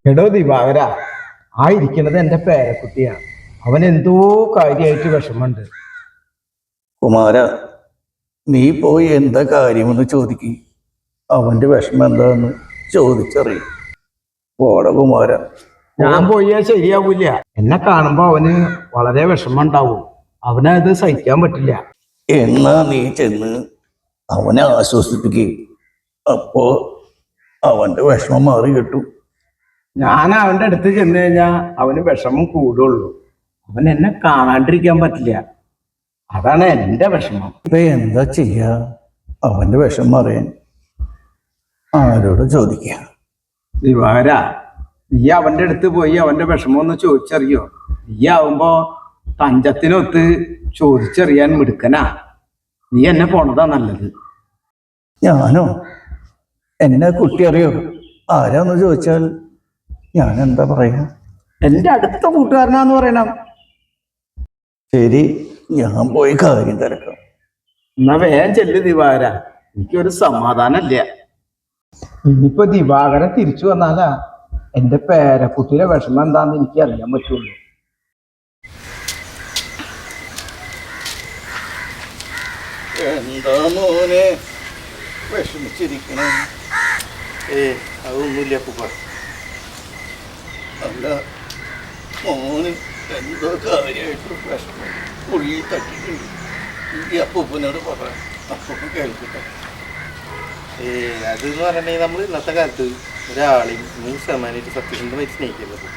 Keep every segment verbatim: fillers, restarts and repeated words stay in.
എടോ ദിവാകര, ആ ഇരിക്കുന്നത് എന്റെ പേരക്കുട്ടിയാണ്. അവൻ എന്തോ കാര്യമായിട്ട് വിഷമുണ്ട്. കുമാര, നീ പോയി എന്താ കാര്യമെന്ന് ചോദിക്കും. അവന്റെ വിഷമം എന്താന്ന് ചോദിച്ചറിയും. പോട കുമാര. ഞാൻ പോയാൽ ശരിയാവൂല. എന്നെ കാണുമ്പോ അവന് വളരെ വിഷമം ഉണ്ടാവും. അവനത് സഹിക്കാൻ പറ്റില്ല. എന്നാ നീ ചെന്ന് അവനെ ആശ്വസിപ്പിക്കുക. അപ്പോ അവന്റെ വിഷമം മാറി കിട്ടും. ഞാൻ അവന്റെ അടുത്ത് ചെന്ന് കഴിഞ്ഞാൽ അവന് വിഷമം കൂടുള്ളൂ. അവൻ എന്നെ കാണാണ്ടിരിക്കാൻ പറ്റില്ല. അതാണ് എന്റെ വിഷമം. ഇപ്പൊ എന്താ ചെയ്യാ? അവന്റെ വിഷമം അറിയാൻ ആരോട് ചോദിക്ക? ദിവാകര, നീ അവന്റെ അടുത്ത് പോയി അവന്റെ വിഷമം ഒന്ന് ചോദിച്ചറിയോ? നീ ആവുമ്പോ തഞ്ചത്തിനൊത്ത് ചോദിച്ചറിയാൻ മിടുക്കനാ. നീ എന്നെ പോണതാ നല്ലത്. ഞാനോ? എന്നെ കുട്ടി അറിയോ? ആരാന്ന് ചോദിച്ചാൽ ഞാൻ എന്താ പറയാ? എന്റെ അടുത്ത കൂട്ടുകാരനാന്ന് പറയണം. ശരി, ഞാൻ പോയി കാര്യം തിരക്കാം. എന്നാ വേഗം ചെല്ല് ദിവാകര. എനിക്കൊരു സമാധാനമില്ല. ഇനിയിപ്പോ ദിവാകരൻ തിരിച്ചു വന്നാലാ എന്റെ പേരക്കുട്ടിയുടെ വിഷമം എന്താന്ന് എനിക്ക് അറിയാൻ പറ്റുള്ളൂ. എന്താ മോനെ വിഷമിച്ചിരിക്കണേ? ഏ അതൊന്നുമില്ല അപ്പൂപ്പ. അല്ല മോന് എന്തോ കാര്യമായിട്ട് വിഷമം ഉള്ളിൽ തട്ടിട്ടുണ്ട്. ഈ അപ്പൂപ്പനോട് പറ, അപ്പൂപ്പൻ കേൾക്കട്ടെ. ഏ അതെന്ന് പറഞ്ഞിട്ടുണ്ടെങ്കിൽ നമ്മൾ ഇന്നത്തെ കാലത്ത് ഒരാളെയും നൂറ് ശതമാനമായിട്ട് സത്യസന്ധമായിട്ട് സ്നേഹിക്കുന്നത്.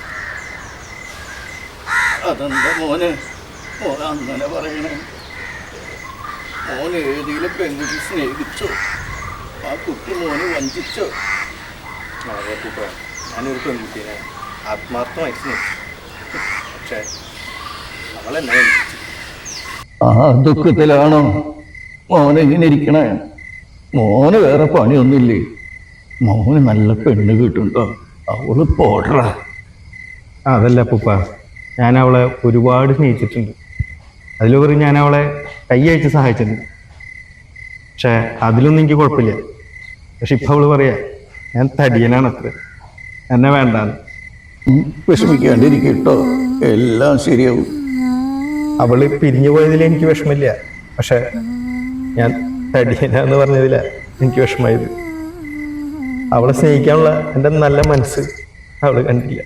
അതെന്താ മോനെ മോൻ അങ്ങനെ പറയണേ? മോൻ ഏതെങ്കിലും പെൺകുട്ടി സ്നേഹിച്ചോ? ആ കുട്ടി മോനെ വഞ്ചിച്ചോ? അതെ അപ്പൂപ്പ, ഞാനൊരു പെൺകുട്ടീനെ ആത്മാർത്ഥമായിട്ട് സ്നേഹിച്ചു. പക്ഷേ അവളെന്നെ വഞ്ചിച്ചു. ആ ദുഃഖത്തിലാണോ മോനെങ്ങനെ ഇരിക്കണേ? മോന് വേറെ പണിയൊന്നുമില്ലേ? മോന് നല്ല പെണ്ണ് കിട്ടുണ്ടോ? അവള് പോടറ. അതല്ല അപ്പൂപ്പ, ഞാൻ അവളെ ഒരുപാട് സ്നേഹിച്ചിട്ടുണ്ട്. അതിലുപരി ഞാൻ അവളെ കൈ അയച്ച് സഹായിച്ചിട്ടുണ്ട്. പക്ഷെ അതിലൊന്നും എനിക്ക് കുഴപ്പമില്ല. പക്ഷെ ഇപ്പൊ അവള് പറയാ ഞാൻ തടിയനാണ്, അത്ര എന്നെ വേണ്ടാന്ന്. വിഷമിക്കാണ്ടിരിക്കട്ടോ, എല്ലാം ശരിയാവും. അവള് പിരിഞ്ഞു പോയതിൽ എനിക്ക് വിഷമില്ല. പക്ഷെ ഞാൻ തടിയനാന്ന് പറഞ്ഞതില എനിക്ക് വിഷമായത്. അവളെ സ്നേഹിക്കാനുള്ള എൻ്റെ നല്ല മനസ്സ് അവള് കണ്ടില്ല.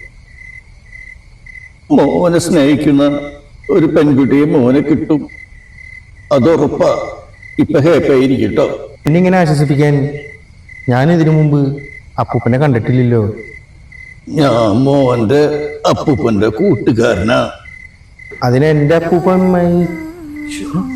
മോനെ സ്നേഹിക്കുന്ന ഒരു പെൺകുട്ടിയെ മോനെ കിട്ടും, അതുറപ്പാ. ഇപ്പൊ ഹാപ്പി ആയിരിക്കട്ടോ. പിന്നെ ഇങ്ങനെ ആശ്വസിപ്പിക്കാൻ ഞാൻ ഇതിനു മുമ്പ് അപ്പൂപ്പനെ കണ്ടിട്ടില്ലല്ലോ. ഞാൻ മോന്റെ അപ്പൂപ്പന്റെ കൂട്ടുകാരനാ. അതിന് എൻ്റെ അപ്പൂപ്പൻ